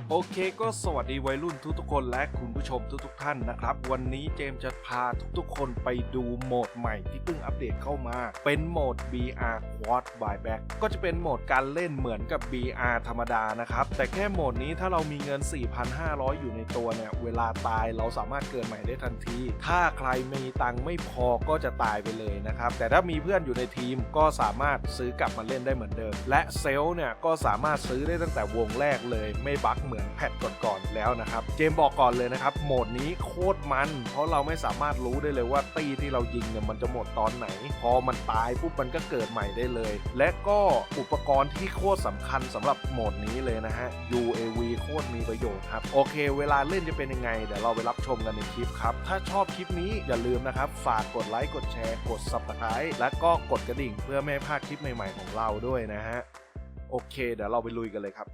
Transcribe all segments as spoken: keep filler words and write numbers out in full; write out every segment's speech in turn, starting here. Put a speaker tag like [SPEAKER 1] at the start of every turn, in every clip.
[SPEAKER 1] โอเคก็สวัสดีวัยรุ่นทุกๆคนและคุณผู้ชมทุกๆท่านนะครับวันนี้เจมจะพาทุกๆคนไปดูโหมดใหม่ที่เพิ่งอัปเดตเข้ามาเป็นโหมด บี อาร์ Quad Buyback ก็จะเป็นโหมดการเล่นเหมือนกับ บี อาร์ ธรรมดานะครับแต่แค่โหมดนี้ถ้าเรามีเงิน สี่พันห้าร้อย อยู่ในตัวเนี่ยเวลาตายเราสามารถเกิดใหม่ได้ทันทีถ้าใครมีตังค์ไม่พอก็จะตายไปเลยนะครับแต่ถ้ามีเพื่อนอยู่ในทีมก็สามารถซื้อกลับมาเล่นได้เหมือนเดิมและเซลล์เนี่ยก็สามารถซื้อได้ตั้งแต่วงแรกเลยไม่บั๊กเหมือนแพทก่อนๆแล้วนะครับเจมบอกก่อนเลยนะครับโหมดนี้โคตรมันเพราะเราไม่สามารถรู้ได้เลยว่าตีที่เรายิงเนี่ยมันจะหมดตอนไหนพอมันตายปุ๊บมันก็เกิดใหม่ได้เลยและก็อุปกรณ์ที่โคตรสำคัญสำหรับโหมดนี้เลยนะฮะ ยู เอ วี โคตรมีประโยชน์ครับโอเคเวลาเล่นจะเป็นยังไงเดี๋ยวเราไปรับชมกันในคลิปครับถ้าชอบคลิปนี้อย่าลืมนะครับฝากกดไลค์กดแชร์กด ซับสไครบ์ และก็กดกระดิ่งเพื่อไม่ให้พลาดคลิปใหม่ๆของเราด้วยนะฮะโอเคเดี๋ยวเราไปลุยกันเลยครับ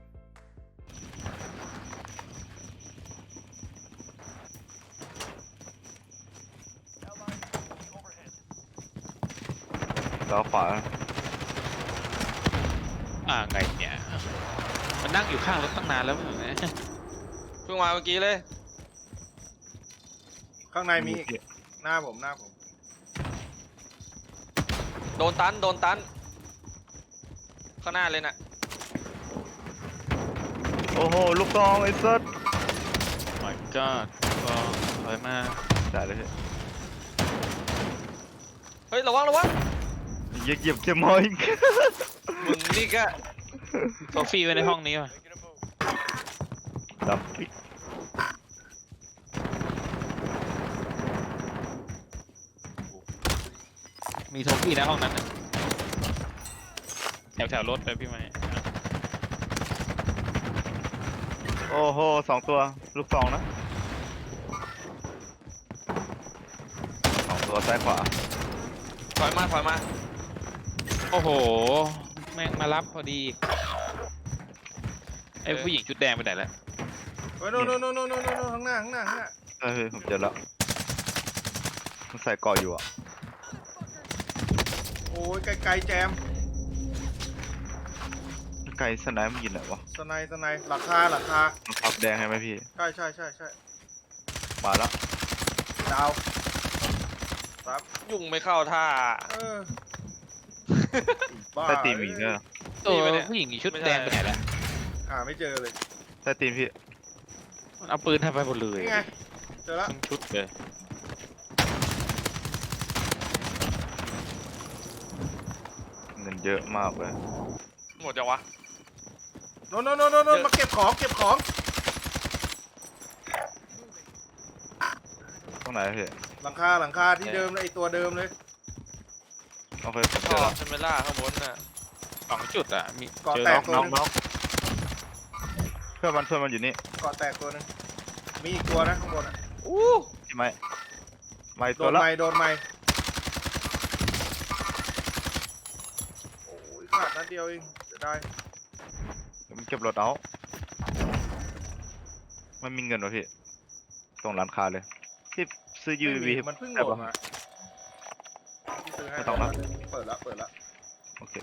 [SPEAKER 2] ล้อขวา
[SPEAKER 3] อ่าไงเนี่ยมันนั่งอยู่ข้างรถตั้งนานแล้วมั้งเนี่ยเพิ่งมาเมื่อกี้เลย
[SPEAKER 1] ข้างในมีหน้าผมหน้าผม
[SPEAKER 3] โดนตันโดนตันข้างหน้าเลยน่ะ
[SPEAKER 2] โอ้โหลูกกองไอ้สัส
[SPEAKER 3] my god ก็ถอยมา
[SPEAKER 2] จ่ายเลยพี่
[SPEAKER 3] เฮ้ยระวังระวัง
[SPEAKER 2] เหยียบเหยียบเจมอย
[SPEAKER 3] มึงนี่ก็โซฟี่ไว้ในห้องนี้ป่ะ
[SPEAKER 2] ดำปิด
[SPEAKER 3] มีโซฟี่ในห้องนั้นนะแถวแถวรถเลยพี่ไหม
[SPEAKER 2] โอ้โหสองตัวลูกซองนะสองตัวซ้ายขวา
[SPEAKER 3] ถอยมาถอยมาโอ้โหแม่งมารับพอดีไอ้ผู้หญิงชุดแดงไปไหนแล้ว
[SPEAKER 1] เฮ้ยโน่นโน่นโน่นโน่นโน่นข้างหน้าข้างหน้าข้างหน้า
[SPEAKER 2] เฮ้ยผมเจอแล้วมันใส่เกาะอยู่อ่ะ
[SPEAKER 1] โอ้ยไกลๆแจม
[SPEAKER 2] ไกลสไนป์มันยินไหนวะ
[SPEAKER 1] สไนสไนหลังคาหลังคา
[SPEAKER 2] มันขับแดงให้ไหมพี่
[SPEAKER 1] ใช่ใช่ใช่ใช่
[SPEAKER 2] มาแล้ว
[SPEAKER 1] ดาวครับ
[SPEAKER 3] ยุ่งไม่เข้าท่า
[SPEAKER 1] เออบ้า
[SPEAKER 2] ใต้ตีนมีเนี่ย
[SPEAKER 3] ตัวผู้หญิงชุดแดงไปไหนแล้ว
[SPEAKER 1] หาไม่เจอเลย
[SPEAKER 2] ใต้ตีนพี่
[SPEAKER 3] มันเอาปืนทำไปหมดเลย
[SPEAKER 1] นี่ไงเจอแล้ว
[SPEAKER 3] ทั้งชุดเลย
[SPEAKER 2] เงินเยอะมากเลย
[SPEAKER 3] หมดจังวะ
[SPEAKER 1] โน่นโน่นโน่นโน่นมาเก็บของเก็บของ
[SPEAKER 2] ตรงไหนพี่
[SPEAKER 1] หลังคาหลังคาที่เดิมเลยไอตัวเดิมเลย
[SPEAKER 2] โอเคผมเจ
[SPEAKER 3] ท่
[SPEAKER 2] อ
[SPEAKER 3] อ
[SPEAKER 2] แล้ว
[SPEAKER 3] เทมเมล่าข้างบนน่ะสองจุดอ่ะมี
[SPEAKER 1] เกาะ
[SPEAKER 3] เจอ
[SPEAKER 1] แต
[SPEAKER 3] น็
[SPEAKER 1] ก
[SPEAKER 3] อก
[SPEAKER 1] ตัว
[SPEAKER 3] น็อก
[SPEAKER 1] นึง
[SPEAKER 3] น็อก
[SPEAKER 2] เพื่อนมันเพื่อนมันอยู่นี่
[SPEAKER 1] เกาะแตกตัวนึงมีอีกตัวนะข้างบนอ่ะ
[SPEAKER 3] อู้
[SPEAKER 2] ใช่ไหมไม่
[SPEAKER 1] โด
[SPEAKER 2] ตัวน ละ
[SPEAKER 1] ไม้โดนไม้โอ้ยขาดนัดเดียวเองจะได้
[SPEAKER 2] มันเก็บรถเอามันมีเงินวะพี่ตรงร้านค้าเลยพี่ซื้อ ยู
[SPEAKER 1] ไม่
[SPEAKER 2] วี
[SPEAKER 1] มีมันเพิ่งโหลดมาที่ซื้อให้
[SPEAKER 2] ไม่ต้องละ
[SPEAKER 1] เปิดละเปิดละ
[SPEAKER 2] โอเค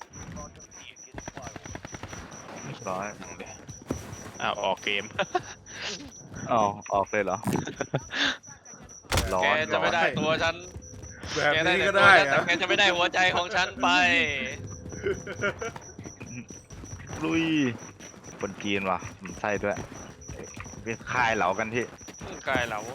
[SPEAKER 2] พี่ร้อย
[SPEAKER 3] อ้าวออกเกม
[SPEAKER 2] อ๋อออกเลยเหรอ ร้อน
[SPEAKER 3] แกจะไม่ได้
[SPEAKER 1] ร้อน
[SPEAKER 3] ตัวฉัน
[SPEAKER 1] แบบ
[SPEAKER 3] แกได้
[SPEAKER 1] นี้
[SPEAKER 3] แต่
[SPEAKER 1] ก็
[SPEAKER 3] ตัว
[SPEAKER 1] ได้
[SPEAKER 3] ฉันแต่
[SPEAKER 1] อะ
[SPEAKER 3] แกจะไม่ได้หัวใจของฉันไป
[SPEAKER 2] ลุยคนจีนว่ะผมใส่ด้วยไปคายเหลากันที่
[SPEAKER 3] กายเหลา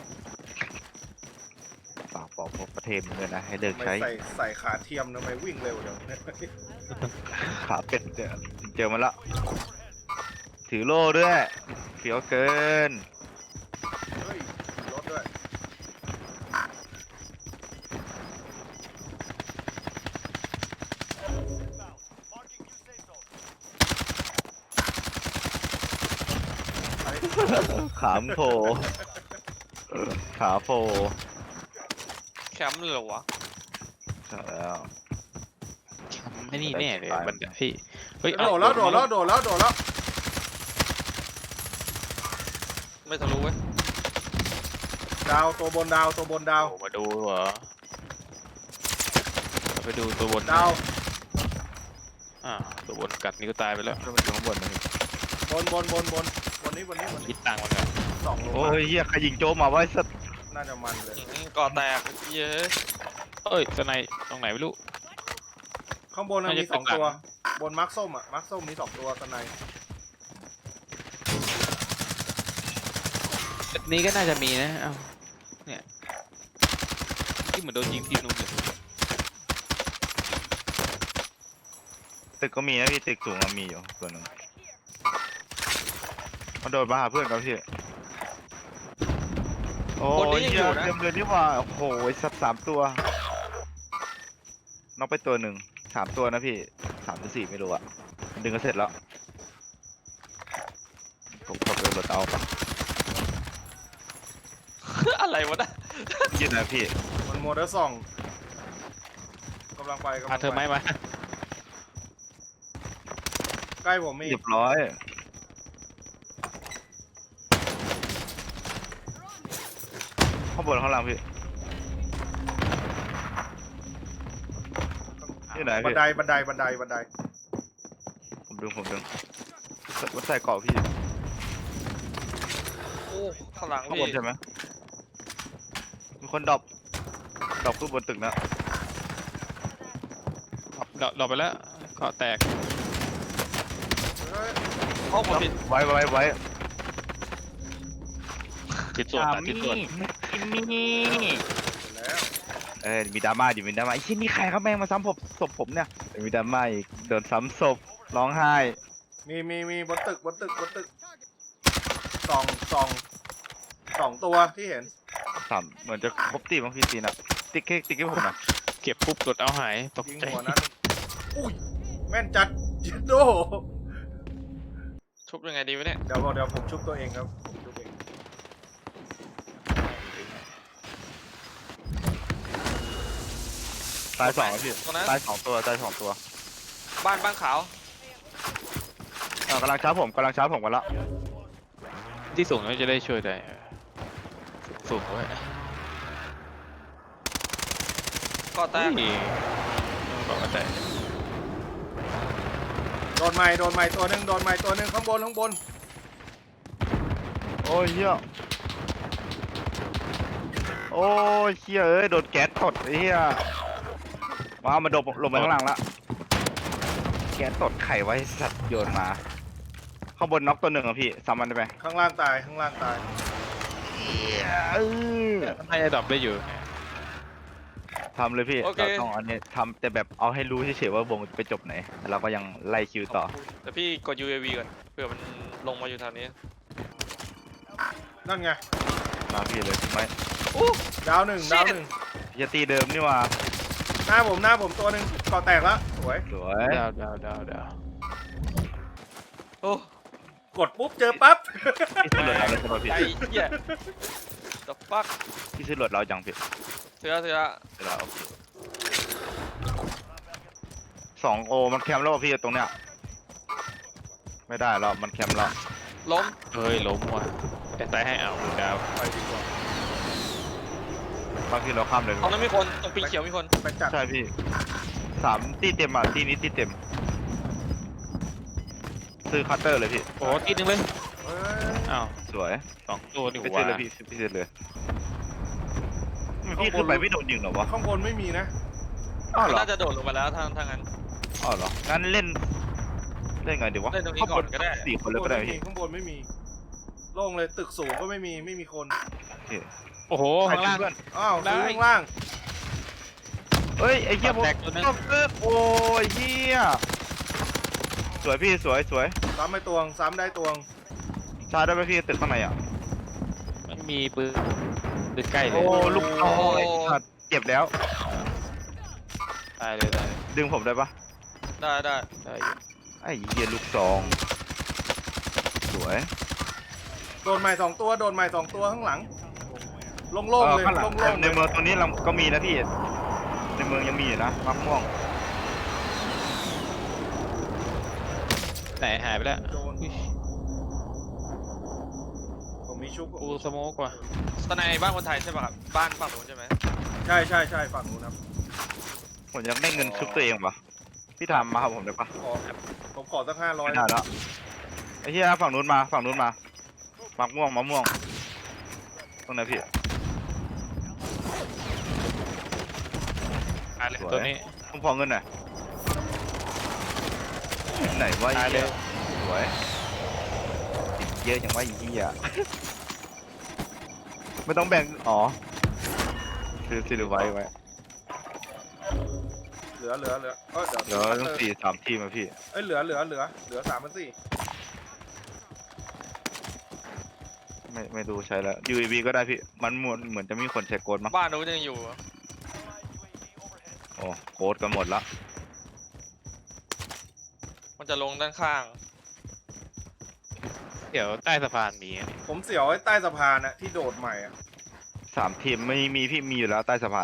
[SPEAKER 2] ฝากบอกพวกประเทศมึงเลยนะให้เลิก
[SPEAKER 1] ไม่
[SPEAKER 2] ใช้
[SPEAKER 1] ใส่ใส่ขาเทียมทำไมวิ่งเร็วเดี๋ยว
[SPEAKER 2] ขาเป็ดเจอเจอมันละถือโล่ด้วยเฟี้ยวเกิน
[SPEAKER 1] เฮ้ยรถด้วยไป
[SPEAKER 2] ขามโผล่ขาโผล่
[SPEAKER 3] แคมป์เลยเหรอวะ
[SPEAKER 2] ใช่แล้ว
[SPEAKER 3] แคมป์ไม่นี่แน่เลยมันพี่เฮ้ย
[SPEAKER 1] โดดแล้วโดดแล้วโดดแล้วโดดแล้ว
[SPEAKER 3] ไม่ทะลุเว้ย
[SPEAKER 1] ดาวตัวบนดาวตัวบนดาว
[SPEAKER 3] โอ้มาดูเหรอไปดูตัวบน
[SPEAKER 1] ดาว
[SPEAKER 3] อ่าตัวบนกัดนี่ก็ตายไปแล้ว
[SPEAKER 2] ก็มันอยู่ข้างบนนะพี่
[SPEAKER 1] บนบนบนบนบนนี้บนนี้บน
[SPEAKER 3] คิ
[SPEAKER 1] นี้
[SPEAKER 3] ดตังค์มันก่อน
[SPEAKER 1] สองโล
[SPEAKER 2] โอ้ยเฮียใครยิงโจมมาไว้สัตว์
[SPEAKER 1] น่าจะมันเลย
[SPEAKER 3] อืมก่อแตกเยอะเอ้ยสไนด์ตรงไหนไม่รู้
[SPEAKER 1] ข้างบนน่ะ
[SPEAKER 3] น่าจะ
[SPEAKER 1] มีสอง
[SPEAKER 3] ตึกหลัง
[SPEAKER 1] ตัว บนมาร์คส้มอ่ะมาร์คส้มมีสองตัวสไนด์
[SPEAKER 3] นี้ก็น่าจะมีนะเอ้าเนี่ยที่เหมือนโดนยิงที่นู่นเลย
[SPEAKER 2] ตึกก็มีนะพี่ตึกสูงอะมีอยู่ส่วนหนึ่งมันโดดมาหาเพื่อนครับพี่โอ้
[SPEAKER 3] บนนี้
[SPEAKER 2] ย
[SPEAKER 3] ยัง
[SPEAKER 2] เฮี
[SPEAKER 3] อย ยู่นะ
[SPEAKER 2] เต็มเลยนี่หว่าโอ้โหสัตว์สามตัวน็อกไปตัวหนึ่งสามตัวนะพี่สามหรือสี่ไม่รู้อะดึงก็เสร็จแล้วผมกดไปรถเอาปะ
[SPEAKER 3] อะไรวะนะ
[SPEAKER 2] ยืดนะพี่
[SPEAKER 1] มันโมเดอร์ส่องกำลังไปกำลั
[SPEAKER 3] พาง เธอไหม
[SPEAKER 1] ไป
[SPEAKER 3] มา
[SPEAKER 1] ใกล้ผมมี
[SPEAKER 2] เรียบร้อยข้างบนข้างล่างพี่ที่ไหน
[SPEAKER 1] บั
[SPEAKER 2] พี่
[SPEAKER 1] นไดบันไดบันไดบันได
[SPEAKER 2] ผมดึงผมดึงมันใส่เกาะพี่
[SPEAKER 3] โอ้ข้างหลัง
[SPEAKER 2] ข้างบ
[SPEAKER 3] พี่
[SPEAKER 2] นใช่ไหมมีคนดรอปดรอปขึ้นบนตึกนะ
[SPEAKER 3] เราเราไปแล้วเกาะแตก
[SPEAKER 1] เฮ้ย
[SPEAKER 3] ห้องผมผิด
[SPEAKER 2] ไว้ไว้ไว้
[SPEAKER 3] ผิดส่วนตัดผิดส่วน
[SPEAKER 2] มีมี
[SPEAKER 1] เสร็จแล้ว
[SPEAKER 2] เออมีดราม่าดิมีดราม่าไอ้ที่นี่ใครครับแม่งมาซ้ำผมศพผมเนี่ยมีดราม่าอีกโดนซ้ำศพร้องไห้
[SPEAKER 1] มีมีมีบนตึกบนตึกบนตึกสองสองสองตัวที่เห็น
[SPEAKER 2] สามเหมือนจะครบตีบางพี่ตีนะติ๊กเค้กติ๊กให้ผมนะ
[SPEAKER 3] เก็บปุ๊บกดเอาหายตก
[SPEAKER 1] ยิง
[SPEAKER 3] ใจ
[SPEAKER 1] หัวนั้นอุ้ยแม่นจัดจิโด
[SPEAKER 3] ชุบยังไงดีวะเนี่ย
[SPEAKER 1] เดี๋ยวเดี๋ยวผมชุบตัวเองครับผมชุบเอง
[SPEAKER 2] ตายสองแล้วพี่
[SPEAKER 3] ตรงนั้น
[SPEAKER 2] ตายสองตัวตายสองตัว
[SPEAKER 3] บ้านบ้านขาว
[SPEAKER 2] อ่ากำลังชาร์จผมกำลังชาร์จผมกันละ
[SPEAKER 3] ที่สูงเราจะได้ช่วยได้สูงไว้
[SPEAKER 4] ก็แตก
[SPEAKER 3] นี่เกาะแตก
[SPEAKER 1] โดนไม้โดนไม้ตัวหนึ่งโดนไม้ตัวหนึ่งข้างบนข้างบน
[SPEAKER 2] โอ้ยเฮียโอ้ยเฮียเอ้ยโดนแก๊สตดไอ้เฮียว้าวมาโดนลงไปข้างล่างละแก๊สตดไข่ไว้สัตว์โยนมาข้างบนน็อกตัวหนึ่งอ่ะพี่ซ้ำมันได้ไหม
[SPEAKER 1] ข้างล่างตายข้างล่างตาย
[SPEAKER 2] เออ
[SPEAKER 3] ให้ไอ้ดอกได้อยู่
[SPEAKER 2] ทำเลยพี่
[SPEAKER 4] โอเค
[SPEAKER 2] เราต้องอันนี้ทำแต่แบบเอาให้รู้เฉยๆว่าวงจะไปจบไหนแล้วเราก็ยังไล่คิวต่อ
[SPEAKER 4] แต่พี่กด ยู เอ วี ก่อนเผื่อมันลงมาอยู่ทางนี้
[SPEAKER 1] นั่นไง
[SPEAKER 2] มาพี่เลยไม่
[SPEAKER 1] ดาวหนึ่งดาวหนึ่ง
[SPEAKER 2] พี่จะตีเดิมนี่ว่า
[SPEAKER 1] หน้าผมหน้าผมตัวหนึ่งก่อแตกแล้วสวย
[SPEAKER 2] สวย
[SPEAKER 3] ดาวดาวดาวดาว
[SPEAKER 4] โอ้
[SPEAKER 1] กดปุ๊บเจอปั๊บ
[SPEAKER 2] พี่ซื้อรถเราเลยใช่ไหมพี่
[SPEAKER 4] ใจเหี้ย the fuck
[SPEAKER 2] พี่ซื้อรถเราจังพี่
[SPEAKER 4] เสือเสือ
[SPEAKER 2] ซื้อเราโอเคสองโอมันแคมป์แล้วว่ะพี่ตรงเนี้ยไม่ได้แล้วมันแคมป์แล้ว
[SPEAKER 4] ล้ม
[SPEAKER 3] เฮ้ยล้มว่ะแต่ตายให้เอาดาว
[SPEAKER 1] ไปดีกว่า
[SPEAKER 2] บางทีเราข้ามเลย
[SPEAKER 4] ตรงนั้นมีคนตรงปีเขียวมีคน
[SPEAKER 1] ไปจัด
[SPEAKER 2] ใช่พี่สามตีเต็มอ่ะตีนี้ตีเต็ม ซื้อคัตเตอร์เลยพี่
[SPEAKER 3] โอ้ทีนึงเลย
[SPEAKER 1] เฮ้ย
[SPEAKER 3] อ้าว
[SPEAKER 2] สวย
[SPEAKER 3] สองตัวนี่
[SPEAKER 2] ไป
[SPEAKER 3] ห
[SPEAKER 2] ซื้
[SPEAKER 3] ว่า
[SPEAKER 2] อเลยพี่พี่ซื้อเลยพี่ขึ้นไปไม่โดนยิงเหรอวะ
[SPEAKER 1] ข้างบนไม่มีนะ
[SPEAKER 2] อ้าวเหรอ
[SPEAKER 4] น่าจะโดดลงมาแล้วทางทางนั้น
[SPEAKER 2] อ้าวเหรองั้นเล่นเล่นไงดีวะ
[SPEAKER 4] เล่นตรงนี้ก่อนก็ได้
[SPEAKER 2] สี่คนเลยก็ได้
[SPEAKER 1] ข้างบนไม่มี
[SPEAKER 2] พี่
[SPEAKER 1] ข้างบนไม่มีโล่งเลยตึกสูงก็ไม่มีไม่มีคน
[SPEAKER 3] โอ้โหข้างล่าง
[SPEAKER 2] เพื่อน
[SPEAKER 1] อ้าว
[SPEAKER 3] ได้
[SPEAKER 1] ซื้อข้างล่าง
[SPEAKER 2] เฮ้ยไอ้เหี้ยผม
[SPEAKER 3] แตกตัวนึง
[SPEAKER 2] ตบเกิดโอ้ยเหี้ยสวยพี่สวยสวย
[SPEAKER 1] ซ้ำไปตวงซ้ำได้ตวง
[SPEAKER 2] ชาร์จได้ไหมพี่ตึกข้างในอ่ะ
[SPEAKER 3] ไม่มีปืนปืนใกล้เล
[SPEAKER 2] โอ้
[SPEAKER 3] ย
[SPEAKER 2] ลูกน้อยสัตว์เจ็บแล้ว
[SPEAKER 3] ตายเลยตายเลย
[SPEAKER 2] ดึงผมได้ปะ
[SPEAKER 4] ได้ได้
[SPEAKER 3] ได้อยู่
[SPEAKER 2] ไอ้เหี้ยลูกซองสวย
[SPEAKER 1] โดนไม้สองตัวโดนไม้สองตัวข้างหลังโล่งๆเลย
[SPEAKER 2] ข้างหลัง
[SPEAKER 1] โล่งๆ
[SPEAKER 2] ใน
[SPEAKER 1] เลย
[SPEAKER 2] เมืองตรงนี้เราก็มีนะพี่ในเมืองยังมีอยู่นะมะม่วง
[SPEAKER 3] ไหนหายไปแล้ว
[SPEAKER 1] โดน
[SPEAKER 3] อุ๊ย
[SPEAKER 1] ผมมีชุบ
[SPEAKER 3] กูสโมกว่ะ
[SPEAKER 4] ตอนในบ้านคนไทยใช่ป่ะครับบ้านฝั่งนู้นใช่ไหม
[SPEAKER 1] ใช่ใช่ใช่ฝั่งนู้นครับ
[SPEAKER 2] ผมอยากได้เงินชุบตัวเองปะพี่ทำมาครับผมได้ปะ
[SPEAKER 1] ขอผมขอสักห้าร้อย
[SPEAKER 2] ไม่ได้แล้วไอ้เหี้ยฝั่งนู้นมาฝั่งนู้นมามักม่วงมะม่วงตรงไหนพี่
[SPEAKER 3] ตายเลย
[SPEAKER 2] สวย
[SPEAKER 3] ตัวนี้
[SPEAKER 2] ต้องพอเงินหน่อยไหนว่า
[SPEAKER 3] ตายเลย
[SPEAKER 2] สวยเยอะอย่างว่าอีกี้อ่ะ ไม่ต้องแบ่งอ๋อซื้อซื้อไว้ไว้
[SPEAKER 1] เหลือเหลือเหลือเออเดี๋ยว
[SPEAKER 2] เดี๋ยวต้องสี่สามทีมอะพี่
[SPEAKER 1] เอ้ยเหลือเหลือเหลือเหลือสามพันสี่
[SPEAKER 2] ไม่ไม่ดูใช้แล้ว ยู เอ วี ก็ได้พี่มันเหมือนเหมือนจะมีคนใช้โกดมั้ง
[SPEAKER 4] บ้านนู้นยังอยู่อะ
[SPEAKER 2] โอ้โกดกันหมดละ
[SPEAKER 4] มันจะลงด้านข้าง
[SPEAKER 3] เดี๋ยวใต้สะพานมีอันนี้
[SPEAKER 1] ผมเสียวไอ้ใต้สะพานอะที่โดดใหม่อะ
[SPEAKER 2] สามทีมไม่มีพี่มีอยู่แล้วใต้สะพาน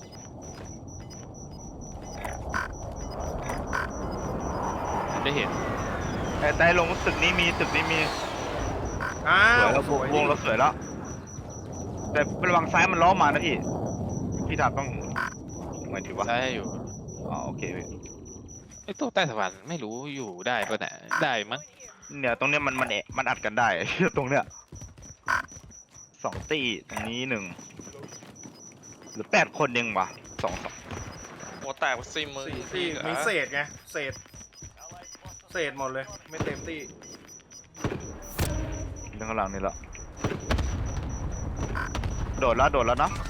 [SPEAKER 3] ได้เห็น
[SPEAKER 2] ไอ้ใต้ลงตึกนี้มีตึกนี้มี
[SPEAKER 1] อ้า
[SPEAKER 2] สว
[SPEAKER 1] วย
[SPEAKER 2] แล้ว
[SPEAKER 1] สวยว
[SPEAKER 2] งเราสวยแล้ว แต่ระวังซ้ายมันล้อมานะพี่ พี่ทาต้องไงดีวะ
[SPEAKER 3] ได้อยู่
[SPEAKER 2] อ๋อโอเคพี่
[SPEAKER 3] ไอ้ตัวใต้สะพานไม่รู้อยู่ได้ปะเนี่ยได้มั้ง
[SPEAKER 2] เนี่ยตรงเนี้ยมันมันแอะมันอัดกันได้ ตรงเนี้ยสองตีตรงนี้หนึ่งหรือแปดคนยังวะสองสอง
[SPEAKER 4] หัวแตกซิมมือ
[SPEAKER 1] สี่ที่มีเศษไงเศษเศษหมดเลยไม่เต็มที่
[SPEAKER 2] เรื่องข้างหลังนี่ละโดดแล้วโดดแล้วเนาะ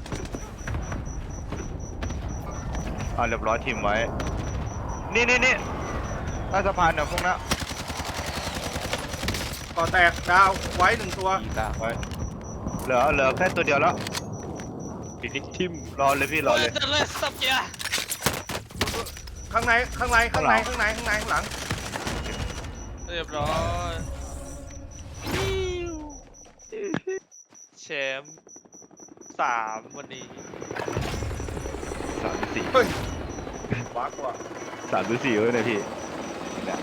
[SPEAKER 2] อ่าเรียบร้อยทีมไว้ นี่นี่นี่ใต้สะพานเนี่ยพวกนั้น
[SPEAKER 1] ก่อแตกดาวไว้หนึ่งตัว
[SPEAKER 3] อีกแล้ว
[SPEAKER 2] ไว้เหลือเหลือแค่ตัวเดียวแล้ว
[SPEAKER 3] ฟินิชทิม
[SPEAKER 2] รอเลยพี่รอเลย
[SPEAKER 4] จะเลยสับเกียร์
[SPEAKER 1] ข้างในข้างในข้างใน
[SPEAKER 2] ข้า
[SPEAKER 1] ข้าง ง
[SPEAKER 2] หลั
[SPEAKER 1] ใน
[SPEAKER 2] ง
[SPEAKER 1] ข้างในข้างหลัง
[SPEAKER 4] เรียบร้อยแชมป์สามวันนี้
[SPEAKER 2] สามหรือสี่
[SPEAKER 1] เฮ้ยว้ากว่า
[SPEAKER 2] สามหรือสี่เว้ยเนี่ยพี่เนี่ย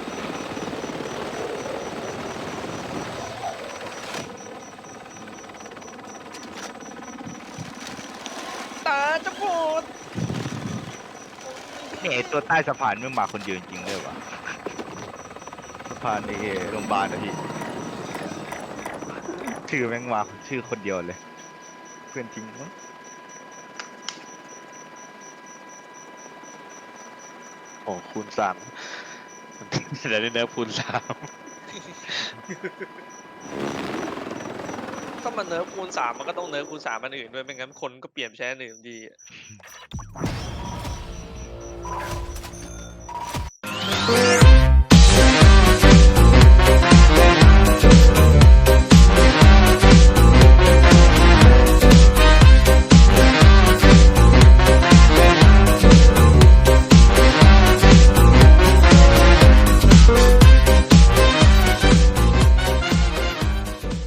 [SPEAKER 4] ตาจะปวด
[SPEAKER 2] เนี่ยไอ้ตัวใต้สะพานไม่มาคนเดียวจริงๆเลยวะสะพานในโรงพยาบาลนะพี่ชื่อแม่งมาชื่อคนเดียวเลย เพื่อนจริงมั้ง
[SPEAKER 3] โอ้คูณสามเดี๋ยวได้เนื้อคูณสาม
[SPEAKER 4] ถ้ามันเนิร์ฟคูณสามมันก็ต้องเนิร์ฟคูณสามอันอื่นด้วยไม่งั้นคนก็เปลี่ยนไปใช้อันอื่นดีอะ